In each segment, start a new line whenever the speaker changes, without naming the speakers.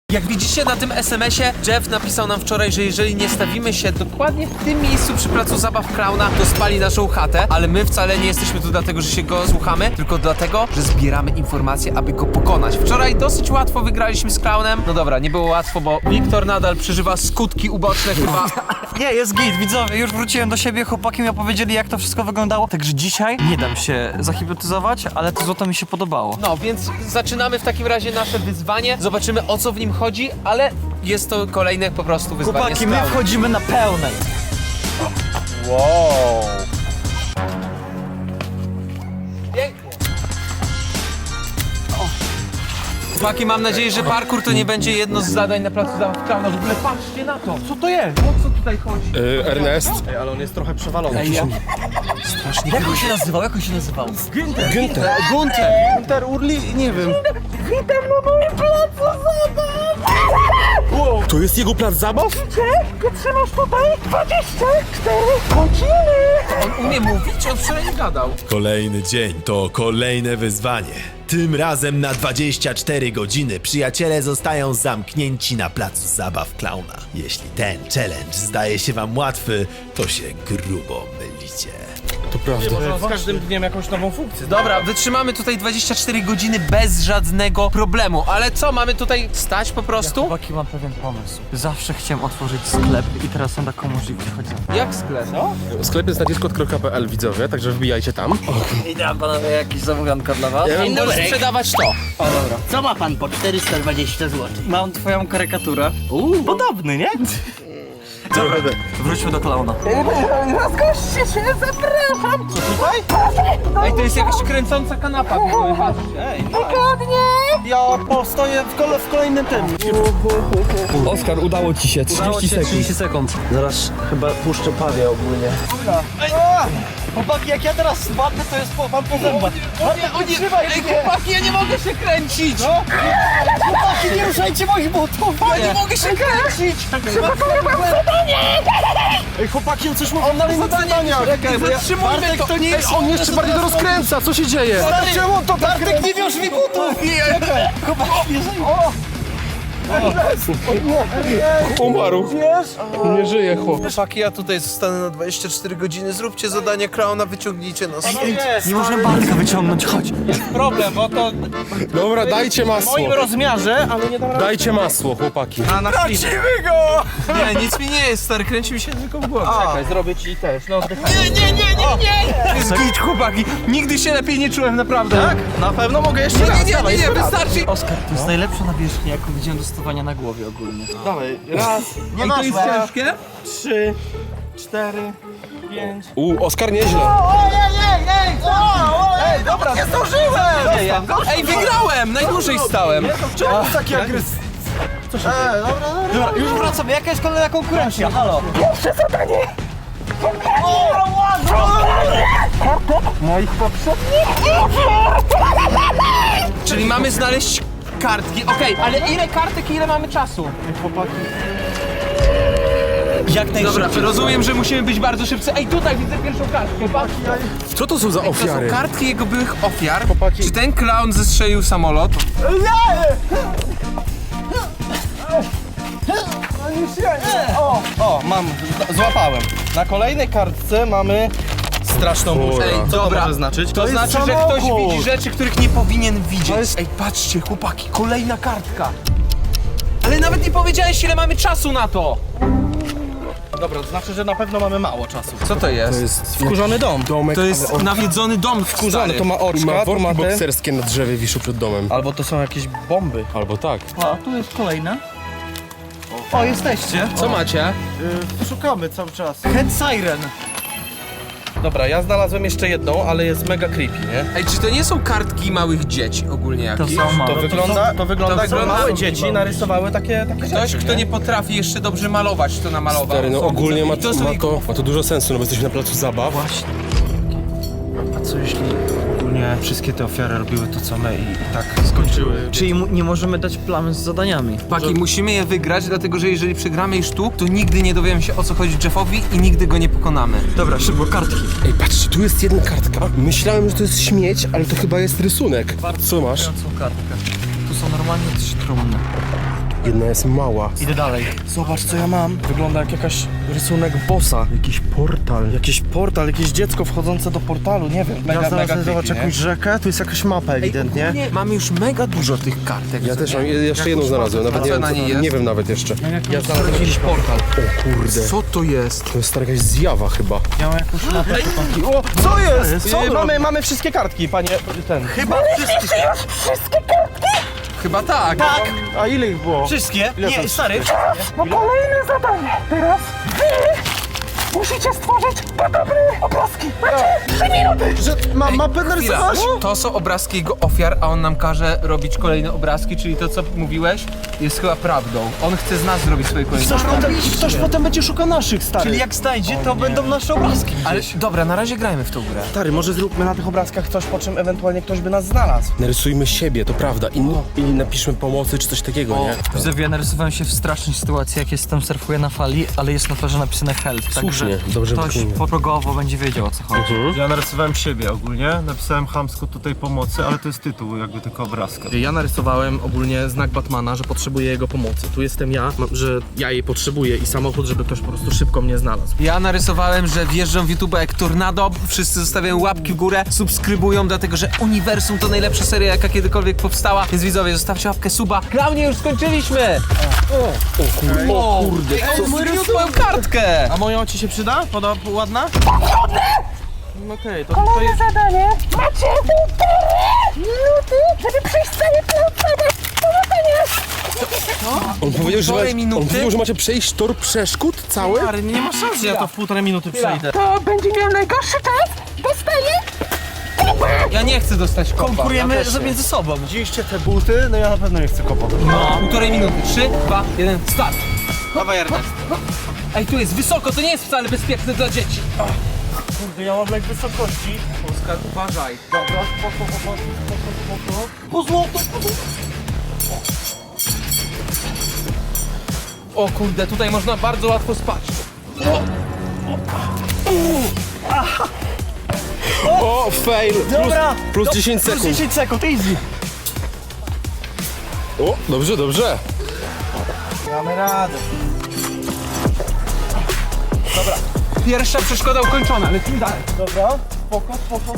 Jak widzicie na tym SMS-ie, Jeff napisał nam wczoraj, że jeżeli nie stawimy się dokładnie w tym miejscu przy placu zabaw Klauna, to spali naszą chatę, ale my wcale nie jesteśmy tu dlatego, że się go słuchamy, tylko dlatego, że zbieramy informacje, aby go pokonać. Wczoraj dosyć łatwo wygraliśmy z Klaunem. No dobra, nie było łatwo, bo Wiktor nadal przeżywa skutki uboczne chyba.
Nie, jest git, widzowie, już wróciłem do siebie, chłopaki mi opowiedzieli, jak to wszystko wyglądało. Także dzisiaj nie dam się zahipnotyzować, ale to złoto mi się podobało.
No, więc zaczynamy w takim razie nasze wyzwanie. Zobaczymy, o co w nim chodzi, ale jest to kolejne po prostu wyzwanie.
Chłopaki, my wchodzimy na pełnej.
Wow. Pięknie. Chłopaki, mam nadzieję, że parkour to nie będzie jedno z zadań na placu zabaw Klauna. W ogóle patrzcie na to. Co to jest? O co tutaj chodzi?
Ernest?
Ej, ale on jest trochę przewalony.
Strasznie
Jak on się nazywał? Jak on się nazywał?
Gunter Urli? Nie wiem.
To jest jego plac zabaw?
On umie mówić? On wczoraj nie gadał.
Kolejny dzień to kolejne wyzwanie. Tym razem na 24 godziny przyjaciele zostają zamknięci na placu zabaw Klauna. Jeśli ten challenge zdaje się wam łatwy, to się grubo mylicie.
To prawda.
Z każdym dniem jakąś nową funkcję.
Dobra, wytrzymamy tutaj 24 godziny bez żadnego problemu, ale co, mamy tutaj stać po prostu?
Chłopaki, mam pewien pomysł. Zawsze chciałem otworzyć sklep i teraz mam taką możliwość, chodź za mną.
Jak sklep? No?
Sklep jest na discord.pl, widzowie, także wbijajcie tam.
Idę, panowie, jakieś zamówianka dla was.
On może sprzedawać to.
O, dobra.
Co ma pan po 420 zł?
Mam twoją karykaturę. Podobny, nie? Dobra, wróćmy do Klauna.
Ej, to jest jakaś kręcąca kanapa. Patrzcie.
Ja postoję w kolejnym tym.
Oskar, udało ci się,
30 sekund.
Zaraz chyba puszczę pawię ogólnie.
Chłopaki, jak ja teraz spadnę, to jest wam po zębach.
Ej, chłopaki, ja nie mogę się kręcić!
Chłopaki, nie ruszajcie moich butów!
Ja nie mogę się kręcić!
Ej, chłopaki, on coś mówi. On na zadania.
Czekaj, zatrzymujmy to!
To nie jest. On jeszcze bardziej to rozkręca, co się dzieje? Czemu on to tak
Bartek, nie wiąż mi butów! Chłopaki, nie
Umarł. Nie żyje chłop.
Chłopaki, ja tutaj zostanę na 24 godziny. Zróbcie zadanie Klauna, wyciągnijcie nas.
Nie możemy Bartka wyciągnąć, chodź.
problem, bo to
Dobra, dajcie
w
masło.
moim rozmiarze, ale nie dam rady.
Dajcie masło, chłopaki.
Nie, nic mi nie jest, stary, kręci mi się tylko w głowie.
Czekaj, zrobię ci też. No,
To jest git, chłopaki. Nigdy się lepiej nie czułem, naprawdę.
tak? Na pewno mogę jeszcze raz.
Nie, wystarczy.
Oskar, to jest najlepsza nawierzchnia, jaką widziałem do stosowania na głowie ogólnie.
Dawaj, raz,
Ej, to jest ciężkie?
3, 4, 5.
Oskar, nieźle.
Ej, dobra, nie zdążyłem!
Ej, wygrałem! Najdłużej stałem.
Czemu taki agresywny?
Dobra, już wracamy, jaka jest kolejna konkurencja? Halo?
Czyli mamy znaleźć kartki. Okej, ale ile kartek i ile mamy czasu?
Jak
Dobra,
najszybciej.
rozumiem, że musimy być bardzo szybcy. Ej, tutaj widzę pierwszą kartkę, patrz.
Co to są za
To są
ofiary?
kartki jego byłych ofiar.
Chłopaki.
Czy ten clown zestrzelił samolot?
O, mam, złapałem. Na kolejnej kartce mamy straszną burzę.
Ej,
Co to
dobra.
może znaczyć?
To znaczy, że ktoś widzi rzeczy, których nie powinien widzieć. Ej, patrzcie, chłopaki, kolejna kartka. Ale nawet nie powiedziałeś, ile mamy czasu na to.
Dobra, to znaczy, że na pewno mamy mało czasu.
Co to jest?
To jest
Wkurzony dom.
domek,
To jest
ale on
nawiedzony dom
Wkurzony, to ma
ma
oczka, to ma
worki
te...
bokserskie na drzewie wiszą przed domem.
Albo to są jakieś bomby.
Albo tak.
A, tu jest kolejna. O, jesteście.
Co macie?
Szukamy cały czas.
Head Siren.
Dobra, ja znalazłem jeszcze jedną, ale jest mega creepy, nie?
Ej, czy to nie są kartki małych dzieci ogólnie
To
jakieś?
są małe.
To wygląda, to wygląda jakby
wygląda-
małe dzieci narysowały takie
Ktoś,
rzeczy,
kto nie potrafi jeszcze dobrze malować, to namalował.
Stary, no ogólnie ma
To są
to dużo sensu, no bo jesteśmy na placu zabaw.
Właśnie.
A co jeśli ogólnie wszystkie te ofiary robiły to co my i tak skończyły?
Czyli nie możemy dać plamy z zadaniami.
Paki, musimy je wygrać, dlatego że jeżeli przegramy już tu, to nigdy nie dowiemy się, o co chodzi Jeffowi i nigdy go nie pokonamy.
Dobra, szybko, kartki.
Ej, patrzcie, tu jest jedna kartka. Myślałem, że to jest śmieć, ale to chyba jest rysunek. Co masz?
Są kartkę. Tu są normalnie 3 trumny.
Jedna jest mała.
Idę dalej. Zobacz co ja mam. Wygląda jak jakaś rysunek bossa.
Jakiś portal.
Jakiś portal, jakieś dziecko wchodzące do portalu, nie wiem.
Ja znalazłem,
creepy,
zobacz,
nie?
jakąś rzekę, tu jest jakaś mapa ewidentnie.
Nie, mamy już mega dużo tych kartek.
Ja też mam, jeszcze jedną znalazłem, nawet nie
co
wiem,
na niej jest?
nie wiem nawet jeszcze.
Ja znalazłem jakiś portal.
O kurde.
Co to jest?
To jest stara jakaś zjawa chyba.
Ja mam jakąś mapę.
O, co jest? Co
Mamy wszystkie kartki, panie ten.
Chyba wszystkie.
Chyba tak.
A ile ich było?
Wszystkie? Nie, stary.
No kolejne zadanie. Teraz wy musicie stworzyć podobne obrazki. Macie 3 minuty.
Że mam mapę
Chwila.
narysować?
To są obrazki jego ofiar, a on nam każe robić kolejne obrazki, czyli to, co mówiłeś, jest chyba prawdą. On chce z nas zrobić swoje kolejne obrazki.
Ktoś potem będzie szukał naszych, stary. Czyli jak znajdzie, to będą nasze obrazki.
Ale dobra, na razie grajmy w tą grę.
Stary, może zróbmy na tych obrazkach coś, po czym ewentualnie ktoś by nas znalazł.
Narysujmy siebie, to prawda. I napiszmy pomocy czy coś takiego, nie?
Widzowie, ja narysowałem się w strasznej sytuacji, jak jestem, surfuję na fali, ale jest na twarzy napisane help,
Słusznie,
także
dobrze
ktoś
wykonane.
progowo będzie wiedział, o co chodzi.
Ja narysowałem siebie ogólnie, napisałem chamsko tutaj pomocy, ale to jest tytuł jakby tylko obrazka.
Ja narysowałem ogólnie znak Batmana, że potrzebuję jego pomocy. Tu jestem ja, że ja jej potrzebuję i samochód, żeby ktoś po prostu szybko mnie znalazł.
Ja narysowałem, że wjeżdżam w YouTube jak tornado, wszyscy zostawiają łapki w górę, subskrybują, dlatego że Uniwersum to najlepsza seria, jaka kiedykolwiek powstała, więc widzowie, zostawcie łapkę suba. Klaunie, już skończyliśmy! O kurde, on zgniótł moją kartkę!
A moja ci się przyda? Ładna? Okej, to
Kolejne
jest...
zadanie. Macie 1,5 minuty, żeby przejść cały plan zabaw. Powodzenia.
On powiedział, że,
Półtorej minuty?
on powiedział, że macie przejść tor przeszkód cały?
Stary, nie ma szans, że ja to w 1,5 minuty przejdę.
To będzie miał najgorszy czas. Dostaje.
Ja nie chcę dostać kopa.
Konkurujemy
ja też nie.
między sobą.
Widzieliście te buty? No ja na pewno nie chcę kopać.
Półtorej minuty. 3, 2, 1, start!
Dawaj, Ernest.
Ej, tu jest wysoko, to nie jest wcale bezpieczne dla dzieci.
Kurde, ja mam lek wysokości.
Oskar, uważaj.
Dobra, spoko. Po złoto.
O kurde, tutaj można bardzo łatwo spać.
O, fail!
Dobra.
Plus 10
Plus
sekund.
10 sekund, easy.
O, dobrze, dobrze.
Mamy radę.
Pierwsza przeszkoda ukończona, lecimy dalej.
Dobra, spoko.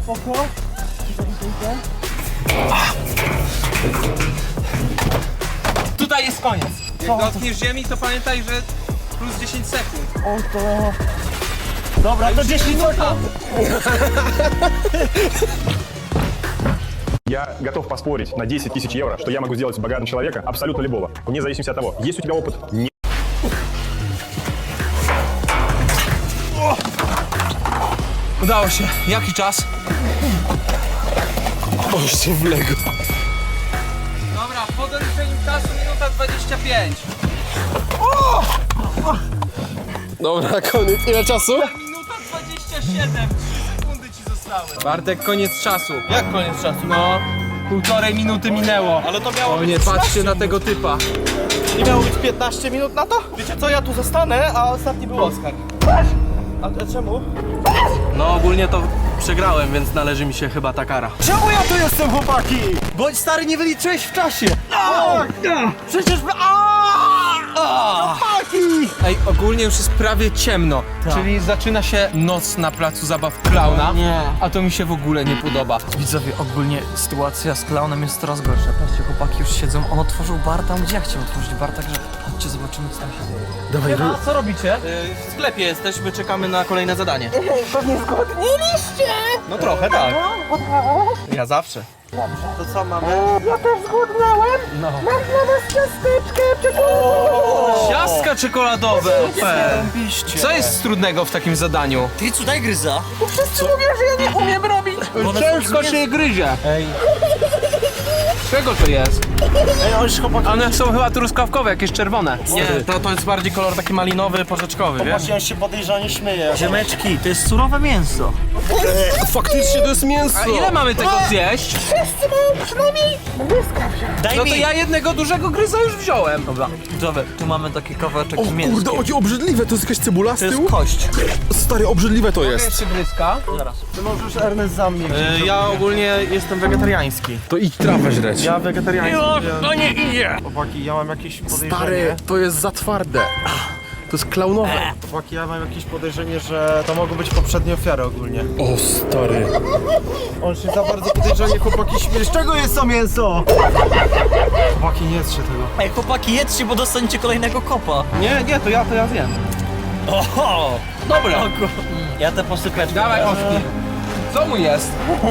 Tutaj jest koniec. Jak dotkniesz ziemi, to pamiętaj, że plus 10 sekund.
Dobra, to 10 sekund.
Я готов поспорить на 10 тысяч евро, что я могу сделать богатым человека абсолютно любого, вне зависимости от того, есть у тебя опыт, нет.
Udało się. Jaki czas?
O, się wległ.
Dobra, po doliczeniu czasu minuta 25.
Dobra, koniec. Ile czasu?
Minuta 27. 3 sekundy ci zostały. Bartek, koniec czasu.
Jak koniec czasu?
No, półtorej minuty minęło.
Ale to miało
O
być
nie,
13
patrzcie na tego typa.
Nie miało być 15 minut na to? Wiecie co, ja tu zostanę, a ostatni był Oskar. A czemu? No ogólnie to przegrałem, więc należy mi się chyba ta kara.
Czemu ja tu jestem, chłopaki?
Bo stary, nie wyliczyłeś w czasie.
Przecież...
Ej, ogólnie już jest prawie ciemno, czyli zaczyna się noc na placu zabaw Klauna,
Nie.
a to mi się w ogóle nie podoba.
Widzowie, ogólnie sytuacja z klaunem jest coraz gorsza. Patrzcie, chłopaki już siedzą. On otworzył bar tam, gdzie ja chciałem otworzyć bar, także chodźcie, zobaczymy, co tam się dzieje.
Dawaj,
A co robicie? W sklepie jesteśmy, czekamy na kolejne zadanie.
Pewnie zgodniliście.
No trochę tak. Ja zawsze. To co mamy?
Ja też zgłodniałem. Mam dla was ciasteczkę czekoladowe.
Ciastka czekoladowe! Co jest trudnego w takim zadaniu?
Ty, daj gryza.
Wszyscy mówią, że ja nie umiem robić.
Ciężko się je gryzie. Czego to jest? One są chyba truskawkowe, jakieś czerwone.
Nie, to jest bardziej kolor taki malinowy, porzeczkowy, wiesz?
Ja się podejrzanie śmieję.
Ziemeczki, to jest surowe mięso.
faktycznie to jest mięso.
A ile mamy tego zjeść?
Wszyscy mają przynajmniej błyska wziąć.
No to ja jednego dużego gryza już wziąłem.
Dobra, widzowie, tu mamy taki kawałeczek
O
z mięskiem.
kurde, jakie obrzydliwe. To jest jakaś cebula z
To jest
tyłu?
kość.
Stary, obrzydliwe to jest.
Jeszcze gryzka.
Ty możesz Ernest za mnie.
Ja ogólnie jestem wegetariański.
To idź trawę żreć.
Ja wegetariański.
To nie idzie!
Chłopaki, ja mam jakieś podejrzenie.
Stary, to jest za twarde. To jest klaunowe.
Chłopaki, ja mam jakieś podejrzenie, że to mogą być poprzednie ofiary ogólnie.
O, stary.
On się za bardzo podejrzanie, chłopaki, śmiesz. Z czego jest to mięso? Chłopaki, nie jedzcie tego.
Ej, chłopaki, jedzcie, bo dostaniecie kolejnego kopa.
Nie, to ja zjem.
Oho! Dobra. Ja te posypeczki.
Dawaj, Ośki. Co mu jest?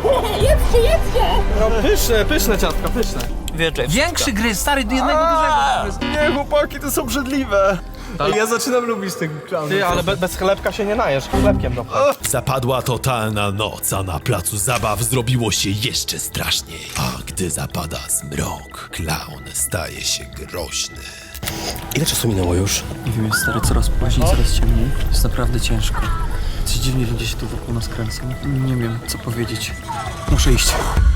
Pyszne ciastka, pyszne.
Wierzę.
Większy gryz, stary, do jednego dużego.
Nie, chłopaki, to są brzydliwe.
Ja zaczynam lubić tego klauna.
Ty, ale bez chlebka się nie najesz. Chlebkiem dopchaj.
Zapadła totalna noc, a na placu zabaw zrobiło się jeszcze straszniej. A gdy zapada zmrok, klaun staje się groźny.
Ile czasu minęło już?
Nie wiem, jest stary coraz później, coraz ciemniej. Jest naprawdę ciężko. Coś dziwnie ludzie się tu wokół nas kręcą. Nie wiem, co powiedzieć. Muszę iść.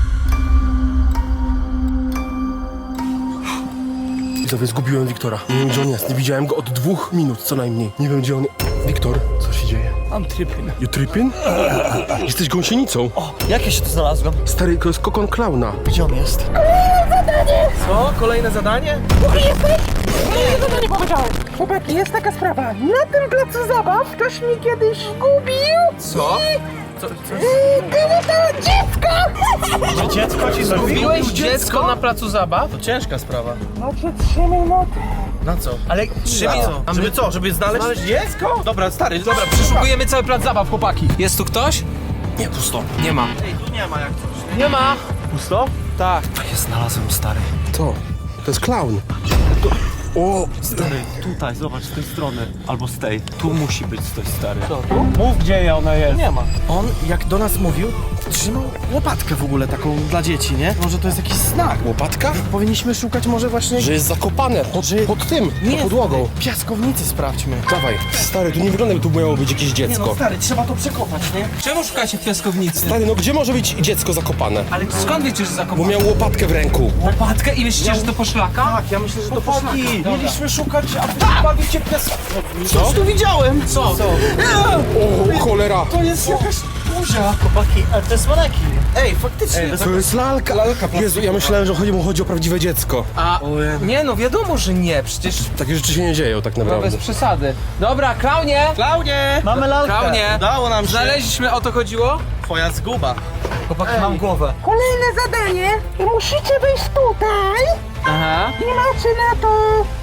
Widzowie, zgubiłem Wiktora. Nie wiem, gdzie on jest. Nie widziałem go od 2 minut co najmniej. Nie wiem, gdzie on... Wiktor, co się dzieje?
Mam trypyn.
You tripping? Jesteś gąsienicą.
O, jak ja się tu znalazłem?
Stary, to jest kokon klauna.
Gdzie on jest?
Co? Kolejne zadanie?
Nie powiedziałem. Chłopaki, jest taka sprawa. Na tym placu zabaw ktoś mi kiedyś zgubił.
Co?
Było to dziecko!
Że dziecko ci zrobiło?
Zgubiłeś dziecko na placu zabaw?
To ciężka sprawa.
Znaczy 3 minuty.
Na co?
Ale
Żeby co? Żeby znaleźć dziecko? Dobra, stary, dobra,
przeszukujemy cały plac zabaw, chłopaki. Jest tu ktoś?
Nie, pusto.
Nie ma.
Ej, tu nie ma jak coś.
Nie ma.
Pusto? Tak.
Ja znalazłem, stary.
To jest klaun. O,
Stary, tutaj, zobacz, z tej strony. Albo z tej. Tu musi być coś, stary. Co, tu? Mów, gdzie ona jest.
Nie ma. On, jak do nas mówił, trzymał łopatkę w ogóle taką dla dzieci, nie? Może to jest jakiś znak.
łopatka?
Powinniśmy szukać może właśnie...
Że jest zakopane pod tym, pod podłogą.
Piaskownicy sprawdźmy.
Dawaj. Stary, tu nie wygląda, jakby tu miało być jakieś
Nie no,
dziecko.
stary, trzeba to przekopać, nie?
Czemu szukacie w piaskownicy?
Stary, no gdzie może być dziecko zakopane?
Ale skąd wiecie, że
Bo
zakopane?
miał łopatkę w ręku.
Łopatkę i myślicie, że to poszlaka?
Tak, ja myślę, że to poszlaki.
Dobra.
Mieliśmy szukać, a wy bawicie piaskownicę.
Co?
Tu widziałem.
Co?
O, cholera.
To jest jakaś buzia.
Chłopaki, ale to jest manekin.
Ej, faktycznie.
To jest lalka. Jezu, ja myślałem, że chodzi o prawdziwe dziecko.
A nie, no wiadomo, że nie, przecież
Takie rzeczy się nie dzieją tak
no
naprawdę.
bez przesady. Dobra, klaunie!
Klaunie!
Mamy lalkę.
Klaunie!
Udało nam się.
Znaleźliśmy, o to chodziło?
Twoja zguba.
Chłopaki, mam głowę.
Kolejne zadanie. I musicie wyjść tutaj.
Aha.
I macie na to...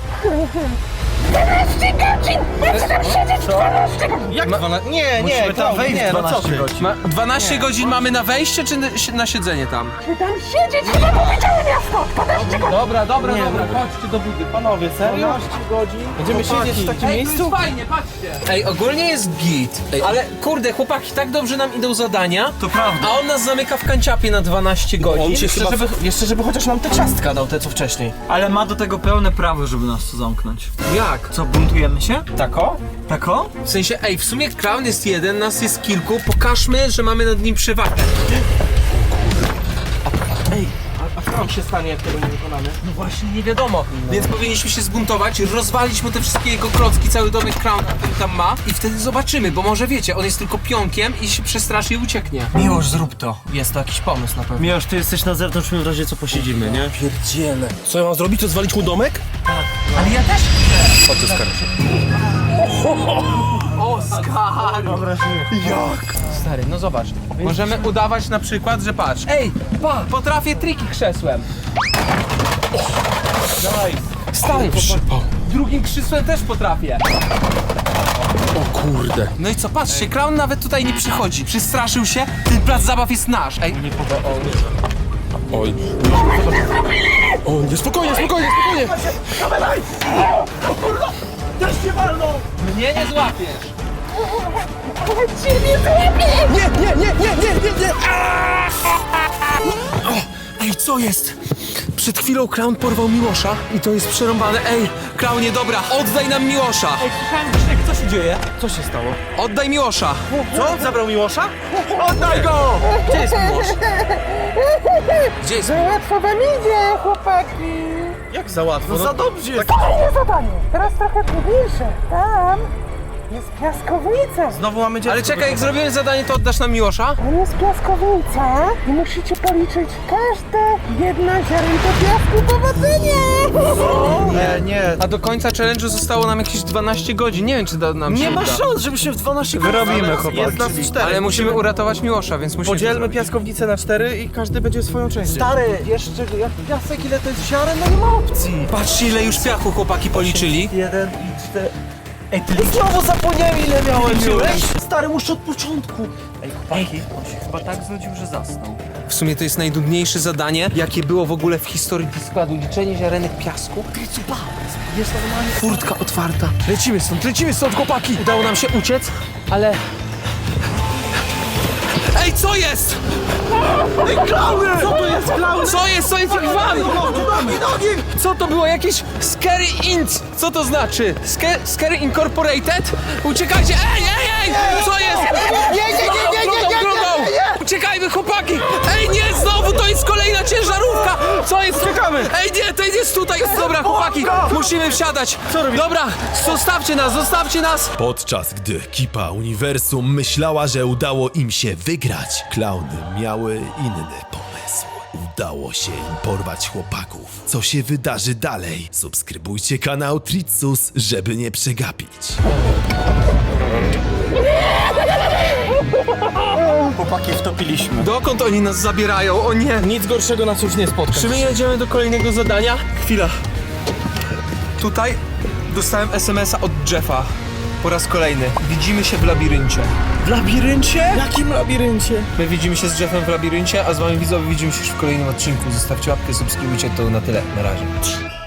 12 godzin! Macie tam siedzieć 12 godzin!
Jak 12? Nie,
tam wejść
nie, no co
12
ty?
godzin.
12 godzin mamy na wejście, czy na siedzenie tam?
Czy tam siedzieć? Chyba powiedziałem miasto! 12 godzin!
Dobra, chodźcie do budy.
Panowie, serio? 12 godzin? Będziemy siedzieć w takim
Ej,
miejscu?
to jest fajnie, patrzcie. Ej, ogólnie jest git. Ale kurde, chłopaki, tak dobrze nam idą zadania.
To prawda.
A on nas zamyka w kanciapie na 12 godzin.
On się jeszcze żeby chociaż nam te ciastka dał, te co wcześniej.
Ale ma do tego pełne prawo, żeby nas tu zamknąć.
Jak?
Co, buntujemy się?
Tako?
Tako?
W sensie, ej, w sumie klaun jest jeden, nas jest kilku. Pokażmy, że mamy nad nim przewagę.
A co nam się stanie, jak tego nie wykonamy?
No właśnie, nie wiadomo. Więc powinniśmy się zbuntować, rozwalić mu te wszystkie jego klocki, cały domek klauna, który tam ma. I wtedy zobaczymy, bo może wiecie, on jest tylko pionkiem i się przestraszy i ucieknie.
Miłość, zrób to.
Jest to jakiś pomysł na pewno.
Miłosz, ty jesteś na zewnątrz, w razie co posiedzimy, nie?
Pierdziele. Co ja mam zrobić? To zwalić mu domek?
Ale ja też chcę.
Chodź, Oskar.
Oskar! Jak? Stary, no zobacz. Możemy udawać na przykład, że patrz. Ej, potrafię triki krzesłem. Stary, drugim krzesłem też potrafię.
O kurde.
No i co, patrzcie, klaun nawet tutaj nie przychodzi. Przestraszył się, ten plac zabaw jest nasz. Ej,
Oj. O, nie, spokojnie.
mnie nie złapiesz.
Ciebie złapię!
Nie.
Ej, co jest? Przed chwilą klaun porwał Miłosza i to jest przerąbane. Ej, klaunie, dobra, oddaj nam Miłosza.
Słyszałem, Krzysiek, co się dzieje?
Co się stało?
Oddaj Miłosza.
Co? Zabrał Miłosza? Oddaj go!
Gdzie jest Miłosz? Gdzie jest Miłosz?
Łatwo wam idzie, chłopaki!
Jak za łatwo? No za dobrze jest.
Kolejne zadanie! Teraz trochę trudniejsze. Tam Jest piaskownica.
Znowu mamy dziecko.
Ale czekaj, jak zrobimy zadanie, to oddasz nam Miłosza?
Tam jest piaskownica i musicie policzyć każde jedno ziarenko piasku. Powodzenia!
Nie.
A do końca challenge'u zostało nam jakieś 12 godzin. Nie wiem, czy da nam się
Nie ma
uda.
szans, żeby się w 12
Wyrobimy, chłopaki.
Jest nas 4.
Ale musimy uratować Miłosza, więc musimy...
Podzielmy piaskownicę na 4 i każdy będzie swoją częścią. Stary, jeszcze jak piasek, ile to jest ziaren, no nie ma opcji.
Patrzcie, ile już piachu chłopaki policzyli.
1 i 4. Ej, ty znowu zapomniałem, ile miałem już. Stary, muszę od początku. Ej, chłopaki, on się chyba tak znudził, że zasnął.
W sumie to jest najnudniejsze zadanie, jakie było w ogóle w historii składu. Liczenie ziarenek piasku.
Jest normalnie.
Furtka otwarta. Lecimy stąd, chłopaki! Udało nam się uciec, ale... Ej, co jest?
Ej, klauny! Co to jest klauny?
Co jest? Co jest? Wam!
Nogi!
Co to było? Jakieś Scary Inc? Co to znaczy? Scary Incorporated? Uciekajcie! Ej! Co jest? Nie! Uciekajmy, chłopaki! Ej, nie! Znowu to jest kolejna ciężarówka! Co jest? Czekamy! Ej, nie! To jest tutaj! Dobra, chłopaki! Musimy wsiadać! Dobra! Zostawcie nas!
Podczas gdy ekipa Uniwersum myślała, że udało im się wygrać, klauny miały inny pomysł. Udało się im porwać chłopaków. Co się wydarzy dalej? Subskrybujcie kanał Tritsus, żeby nie przegapić.
Chłopaki wtopiliśmy.
Dokąd oni nas zabierają? O nie!
Nic gorszego nas już nie spotka.
Czy my jedziemy do kolejnego zadania? Chwila. Tutaj dostałem SMS-a od Jeffa. Po raz kolejny. Widzimy się w labiryncie.
W labiryncie? Jakim labiryncie?
My widzimy się z Jeffem w labiryncie, a z wami widzowie widzimy się już w kolejnym odcinku. Zostawcie łapkę, subskrybujcie, to na tyle. Na razie.